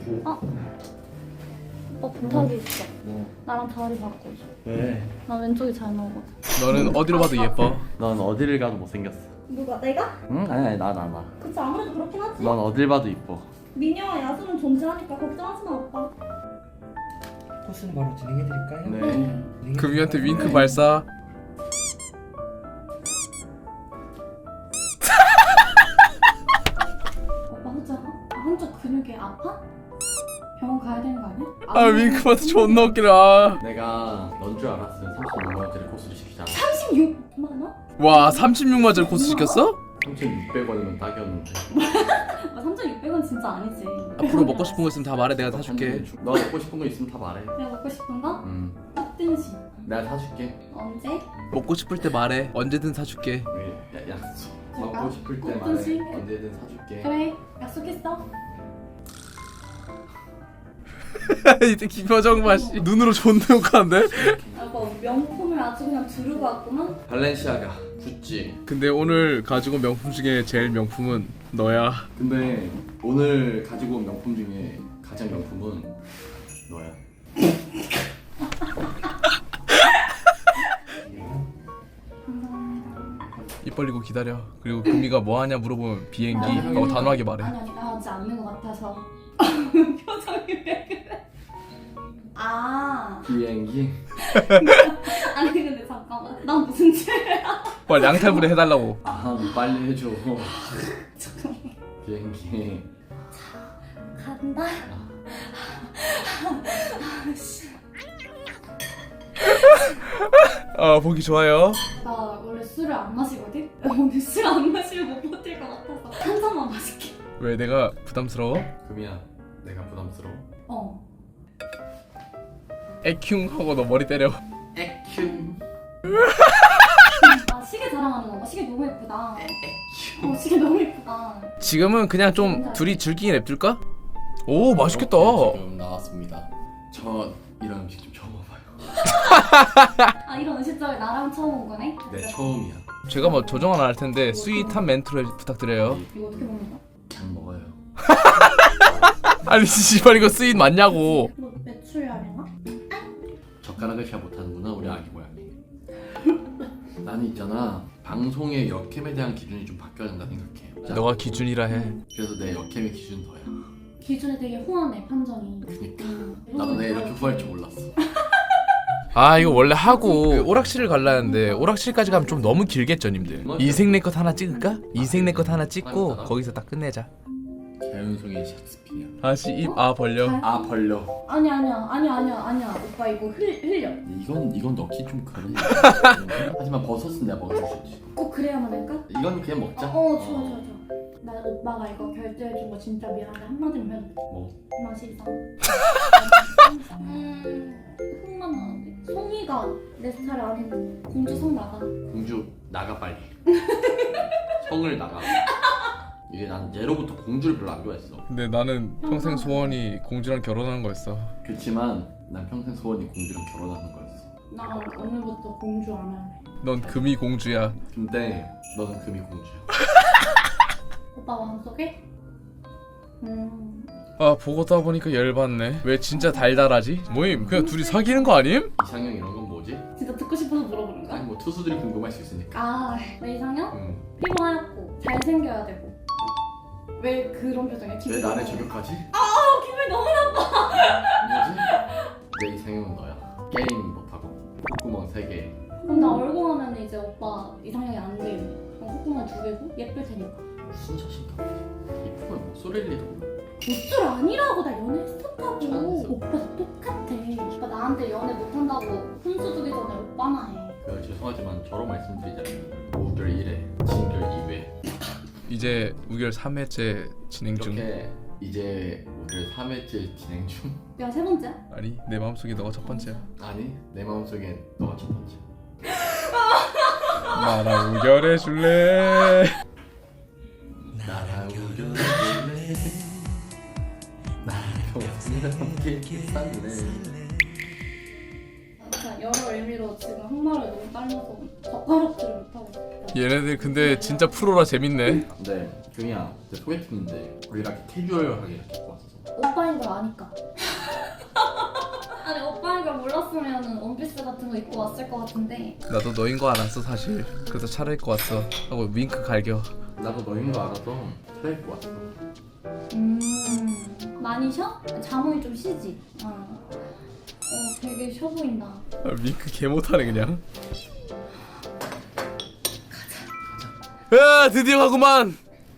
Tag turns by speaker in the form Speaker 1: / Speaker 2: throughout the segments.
Speaker 1: 오빠 부탁이 있어.
Speaker 2: 뭐?
Speaker 1: 나랑 자리 바꿔줘.
Speaker 2: 왜?
Speaker 1: 나 왼쪽이 잘 나오거든.
Speaker 3: 너는 어디로 봐도 예뻐.
Speaker 2: 넌 어디를 가도 못생겼어.
Speaker 1: 누가? 내가?
Speaker 2: 응? 아니 나.
Speaker 1: 그치 아무래도 그렇긴 하지.
Speaker 2: 넌 어딜 봐도 이뻐.
Speaker 1: 미녀와 야수는 존재하니까 걱정하지 마 오빠.
Speaker 4: 코스는 바로 진행해드릴까요?
Speaker 2: 네.
Speaker 3: 금이한테 윙크 발사.
Speaker 1: 오빠 한쪽 근육이 아파? 병원 가야 되는 거 아니야?
Speaker 3: 아 윙크 봐도 존나 웃기다.
Speaker 2: 내가 넌 줄 알았으면 36만 원짜리 코스를 시키잖아.
Speaker 1: 36만 원?
Speaker 3: 와 36만 원짜리 코스 시켰어?
Speaker 2: 3,600원이면 딱이었는데.
Speaker 1: 아, 3,600원 진짜 아니지.
Speaker 3: 앞으로 먹고 싶은 거 있으면 다 말해. 내가 사줄게.
Speaker 2: 너 먹고 싶은 거 있으면 다 말해.
Speaker 1: 내가 먹고 싶은 거?
Speaker 2: 응.
Speaker 1: 꽃등심.
Speaker 2: 내가 사줄게.
Speaker 1: 언제?
Speaker 3: 먹고 싶을 때 말해. 언제든 사줄게.
Speaker 2: 약속.
Speaker 1: 제가
Speaker 2: 먹고 싶을 때
Speaker 1: 꽃등심?
Speaker 2: 말해. 언제든 사줄게.
Speaker 1: 그래 약속했어.
Speaker 3: 이때 기표정 맛이 눈으로 존나 욕하는데?
Speaker 1: 오빠 명품을 아주 그냥 두르고 왔구만.
Speaker 2: 발렌시아가, 구찌.
Speaker 3: 근데 오늘 가지고 온 명품 중에 제일 명품은 너야.
Speaker 2: 근데 오늘 가지고 온 명품 중에 가장 명품은 너야.
Speaker 1: 감사합니다.
Speaker 3: 입 벌리고 기다려. 그리고 금이가 뭐 하냐 물어보면 비행기 하고 단호하게 말해.
Speaker 1: 아니 나 하지 않는 것 같아서. 표정이 왜 그래? 아
Speaker 2: 비행기.
Speaker 1: 아니 근데 잠깐만 난 무슨 죄야?
Speaker 3: 빨리 양탈부대 해달라고.
Speaker 2: 아, 너 빨리 해줘. 비행기.
Speaker 1: 간다.
Speaker 3: 아 보기 좋아요.
Speaker 1: 나 원래 술을 안 마시거든? 오늘 술 안 마시면 못 버틸 것 같아서 한 잔만 마실게.
Speaker 3: 왜 내가 부담스러워?
Speaker 2: 금이야, 내가 부담스러워.
Speaker 1: 어.
Speaker 3: 에큉 하고 너 머리 때려.
Speaker 2: 에큐.
Speaker 1: 아 시계 자랑하는 건가? 시계 너무 예쁘다. 시계 너무 예쁘다.
Speaker 3: 지금은 그냥 좀 둘이 즐기게 냅둘까? 오 맛있겠다.
Speaker 2: 이렇게 지금 나왔습니다. 저 이런 음식 좀 처음 와봐요.
Speaker 1: 아 이런 음식점에 나랑 처음 온 거네?
Speaker 2: 네, 처음이야.
Speaker 3: 제가 뭐 조정 하나 할 텐데 스윗한 멘트로 부탁드려요.
Speaker 1: 이거 어떻게 먹는 거야?
Speaker 2: 그냥 먹어요.
Speaker 3: 아니 씨발 이거 스윗 맞냐고.
Speaker 1: 너 매출량이나?
Speaker 2: 젓가락을 잘 못하는구나, 우리 아기 고양이. 나는 있잖아, 방송의 역캠에 대한 기준이 좀 바뀌어야 된다 생각해.
Speaker 3: 너가 기준이라 해.
Speaker 2: 그래서 내 역캠의 기준 너야.
Speaker 1: 기준이 되게 후하네 판정이.
Speaker 2: 그니까 나도 내가 이렇게 후할 줄 몰랐어.
Speaker 3: 아 이거 원래 하고 그 오락실을 갈라 했는데 오락실까지 가면 좀 너무 길겠죠 님들. 이생 내 것 하나 찍을까? 이생 내 것 하나 찍고 거기서 딱 끝내자.
Speaker 2: 자연성의 셰익스피어.
Speaker 3: 다시 입 아 벌려.
Speaker 2: 아, 벌려.
Speaker 1: 아니야 오빠 이거 흘려.
Speaker 2: 이건 넣기 좀 그래. 하지만 버섯은 내가 먹을 수 있지.
Speaker 1: 꼭 그래야만 할까?
Speaker 2: 이건 그냥 먹자.
Speaker 1: 좋아 나 오빠가 이거 결제해준 거 진짜 미안한데 한마디만 해도 돼?
Speaker 2: 뭐?
Speaker 1: 맛이 이상. 흥만 나는데 송이가 내 스타일 아닌 공주 성 나가.
Speaker 2: 공주 나가 빨리. 성을 나가. 이게 난 예로부터 공주를 별로 안 좋아했어.
Speaker 3: 근데 나는 평생 소원이 공주랑 결혼하는 거였어.
Speaker 2: 그렇지만 난 평생 소원이 공주랑 결혼하는 거였어.
Speaker 1: 나 오늘부터 공주 안 할래.
Speaker 3: 넌 금이 공주야.
Speaker 2: 근데 너는 금이 공주야.
Speaker 1: 오빠 마음속에?
Speaker 3: 아 보고 다 보니까 열받네. 왜 진짜 달달하지? 뭐임? 그냥 둘이 사귀는 거 아님?
Speaker 2: 이상형 이런 건 뭐지?
Speaker 1: 진짜 듣고 싶어서 물어보는 거야?
Speaker 2: 아니 뭐 투수들이 궁금할 수 있으니까.
Speaker 1: 내 이상형?
Speaker 2: 응.
Speaker 1: 피부 하얗고 잘생겨야 되고. 왜 그런 표정이야?
Speaker 2: 왜
Speaker 1: 기분이
Speaker 2: 나를
Speaker 1: 너무-
Speaker 2: 저격하지?
Speaker 1: 기분이 너무 나빠.
Speaker 2: 뭐지? 내 이상형은 너야. 게임 못하고 콧구멍 3개.
Speaker 1: 그럼 나 얼굴 하면 이제 오빠 이상형이 안 돼요. 콧구멍 2개고 예쁠 테니까.
Speaker 2: 무슨 자신감? 이쁘면 목소리를 리도 몰라.
Speaker 1: 못줄 아니라고. 나 연애했었다고.
Speaker 2: 잘했어.
Speaker 1: 오빠 똑같아. 오빠 나한테 연애 못한다고 훈수 두기 전에 오빠나 해.
Speaker 2: 그 죄송하지만 저로 말씀드리자면 우결 1회, 진결 2회.
Speaker 3: 이제 우결 3회째 진행 중.
Speaker 2: 이렇게 이제 우결 3회째 진행 중.
Speaker 1: 내가 세 번째야?
Speaker 3: 아니 내 마음속에 너가 첫 번째야.
Speaker 2: 아니 내 마음속엔 너가 첫 번째.
Speaker 3: 나랑 우결해 줄래?
Speaker 2: 나랑 우결해. 나랑 평생 함께 살래.
Speaker 1: 진짜 여러 의미로 지금 한말을 너무 딸려서 젓가락질을 못하겠어.
Speaker 3: 얘네들 근데 진짜 프로라 재밌네.
Speaker 2: 근데 금이야, 내 소개팅인데 우리 이렇게 캐주얼하게 이렇게 입고 왔어.
Speaker 1: 오빠인 걸 아니까. 아니 오빠인 걸 몰랐으면 원피스 같은 거 입고 왔을 것 같은데.
Speaker 3: 나도 너인 거 알았어 사실. 그래서 차려입고 왔어 하고 윙크 갈겨.
Speaker 2: 나도 너인 거 알아서 차려입고 왔어.
Speaker 1: 많이 쉬어? 잠이 좀 쉬지? 되게 쉬어 보인다.
Speaker 3: 윙크 개 못하네 그냥. 야 드디어 가구만.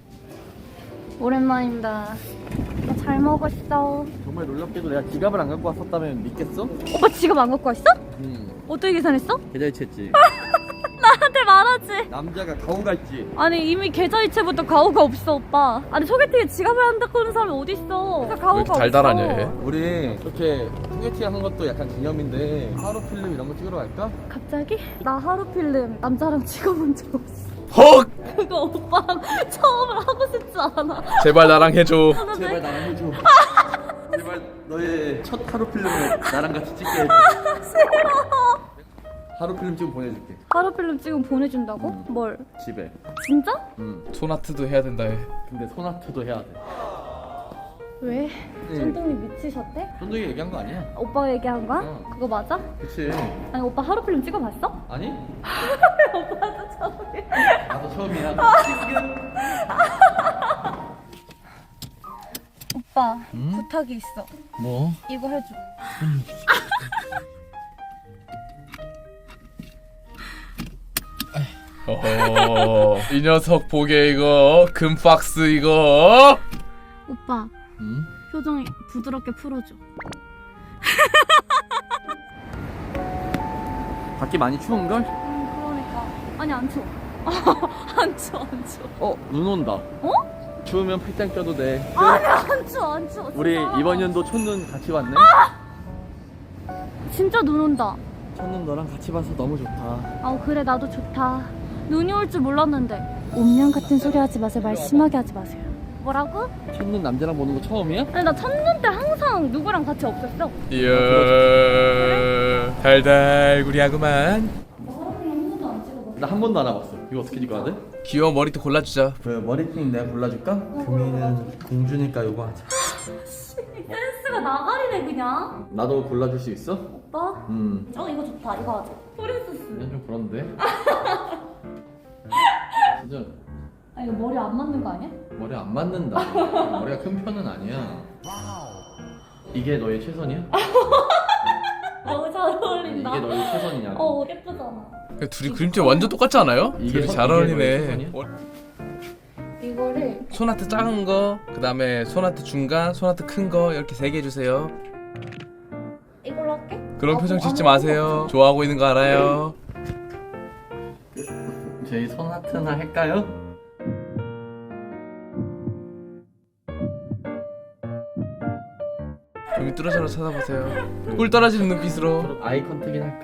Speaker 1: 오랜만입니다. 잘 먹었어.
Speaker 2: 정말 놀랍게도 내가 지갑을 안 갖고 왔었다면 믿겠어?
Speaker 1: 오빠 지갑 안 갖고 왔어? 어떻게 계산했어?
Speaker 2: 계좌이체했지.
Speaker 1: 나한테 말하지.
Speaker 2: 남자가 가오 갈지.
Speaker 1: 아니 이미 계좌이체부터 가오가 없어 오빠. 아니 소개팅에 지갑을 한다고 하는 사람이 어딨어. 그래서 가오가
Speaker 3: 왜 이렇게 달달하냐
Speaker 1: 없어.
Speaker 3: 얘.
Speaker 2: 우리 이렇게 소개팅 한 것도 약간 기념인데 하루 필름 이런 거 찍으러 갈까?
Speaker 1: 갑자기? 나 하루 필름 남자랑 찍어본 적 없어.
Speaker 3: 헉!
Speaker 1: 그거 오빠랑 처음으로 하고 싶지 않아.
Speaker 3: 제발 나랑 해줘.
Speaker 2: 제발 나랑 해줘. 제발 너의 첫 하루 필름을 나랑 같이 찍게 해줘.
Speaker 1: 싫어.
Speaker 2: 하루 필름 찍으면 보내줄게.
Speaker 1: 하루 필름 찍으면 보내준다고? 뭘?
Speaker 2: 집에.
Speaker 1: 진짜?
Speaker 3: 소나트도 해야 된다 해.
Speaker 2: 근데 소나트도 해야 돼.
Speaker 1: 왜?
Speaker 2: 응.
Speaker 1: 쫀득이 미치셨대?
Speaker 2: 쫀득이 얘기한 거 아니야?
Speaker 1: 오빠가 얘기한 거야? 그거 맞아?
Speaker 2: 그치.
Speaker 1: 아니 오빠 하루 필름 찍어봤어?
Speaker 2: 아니?
Speaker 1: 오빠도 처음이야.
Speaker 2: 나도 처음이야.
Speaker 1: 오빠 부탁이 있어.
Speaker 2: 뭐?
Speaker 1: 이거 해줘.
Speaker 3: 이 녀석 보게 이거 금 박스 이거.
Speaker 1: 오빠
Speaker 2: 응?
Speaker 1: 표정이 부드럽게 풀어줘.
Speaker 2: 밖에 많이 추운걸?
Speaker 1: 그러니까. 아니 안 추워. 안 추워 안 추워.
Speaker 2: 눈 온다.
Speaker 1: 어?
Speaker 2: 추우면 팔짱 껴도 돼.
Speaker 1: 아니 안 추워 안 추워.
Speaker 2: 우리
Speaker 1: 진짜.
Speaker 2: 이번 연도 첫눈 같이 봤네.
Speaker 1: 진짜 눈 온다.
Speaker 2: 첫눈 너랑 같이 봐서 너무 좋다.
Speaker 1: 아 그래 나도 좋다. 눈이 올 줄 몰랐는데. 운명 같은 소리 하지 마세요. 말 심하게 하지 마세요. 뭐라고?
Speaker 2: 첫눈 남자랑 보는 거 처음이야?
Speaker 1: 아니 나 첫눈 때 항상 누구랑 같이 없었어.
Speaker 3: 이야 달달구리하구만.
Speaker 1: 한 번도 안 찍어봤어.
Speaker 2: 나 한 번도 안 와봤어. 이거 어떻게 찍어야 돼?
Speaker 3: 귀여운 머리도 골라주자.
Speaker 2: 그 머리핀 내가 골라줄까? 금이는 공주니까 이거 하자.
Speaker 1: 센스가 나가리네 그냥.
Speaker 2: 나도 골라줄 수 있어?
Speaker 1: 오빠? 이거 좋다. 이거 하자. 프린세스.
Speaker 2: 좀 그런데. 진짜
Speaker 1: 아 이거 머리 안 맞는 거 아니야?
Speaker 2: 머리 안 맞는다. 머리가 큰 편은 아니야. 이게 너의 최선이야?
Speaker 1: 너무 잘 어울린다.
Speaker 2: 이게 너의 최선이냐고.
Speaker 1: 예쁘잖아.
Speaker 3: 둘이 그림체 완전 똑같지 않아요?
Speaker 2: 이게
Speaker 3: 둘이
Speaker 2: 선-
Speaker 3: 잘
Speaker 2: 이게
Speaker 3: 어울리네.
Speaker 2: 너의 최선이야?
Speaker 1: 이거를
Speaker 3: 소나트 작은 거, 그 다음에 소나트 중간, 소나트 큰 거 이렇게 3개 해주세요.
Speaker 1: 이걸로 할게.
Speaker 3: 그런 표정 짓지 마세요. 좋아하고 있는 거 알아요.
Speaker 2: 저희 소나트나 할까요?
Speaker 3: 여기 뚫어져라 쳐다보세요. 꿀 떨어지는 눈빛으로.
Speaker 2: 아이 컨택이나 할까?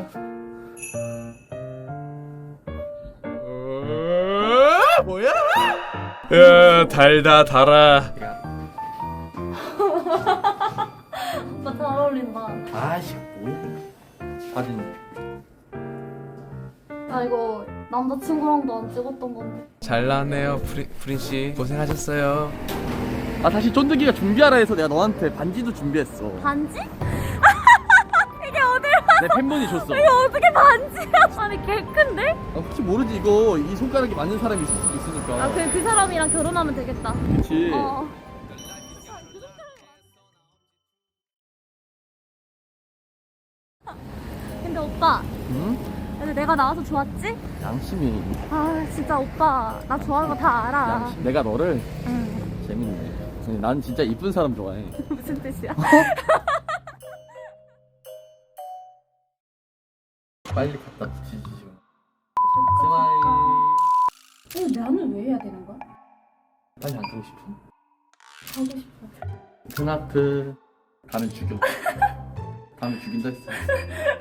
Speaker 3: 뭐야? 야 달다 달아.
Speaker 1: 오빠 잘 어울린다.
Speaker 2: 아이씨 뭐야 사진.
Speaker 1: 아 이거 남자친구랑도 안 찍었던 건데.
Speaker 3: 잘 나왔네요 프린 씨. 고생하셨어요.
Speaker 2: 아 다시 쫀득이가 준비하라 해서 내가 너한테 반지도 준비했어.
Speaker 1: 반지? 이게 어딜
Speaker 2: 내 팬분이 줬어.
Speaker 1: 이게 어떻게 반지야? 아니 개 큰데?
Speaker 2: 혹시 모르지 이거 이 손가락이 맞는 사람이 있을 수도 있으니까.
Speaker 1: 아 그 사람이랑 결혼하면 되겠다.
Speaker 2: 그렇지.
Speaker 1: 근데 오빠,
Speaker 2: 응?
Speaker 1: 근데 내가 나와서 좋았지?
Speaker 2: 양심이.
Speaker 1: 아 진짜 오빠 나 좋아하는 거 다 알아.
Speaker 2: 양심. 내가 너를
Speaker 1: 응.
Speaker 2: 재밌네. 아니, 난 진짜 이쁜 사람 좋아해.
Speaker 1: 무슨 뜻이야?
Speaker 2: 빨리 갖다 붙이지 지금. 스마일.
Speaker 1: 근데 나는 왜 해야 되는 거야?
Speaker 2: 빨리 안 주고 싶어.
Speaker 1: 하고 싶어.
Speaker 2: 스나트. 다음에 죽여. 다음에 죽인다 했어.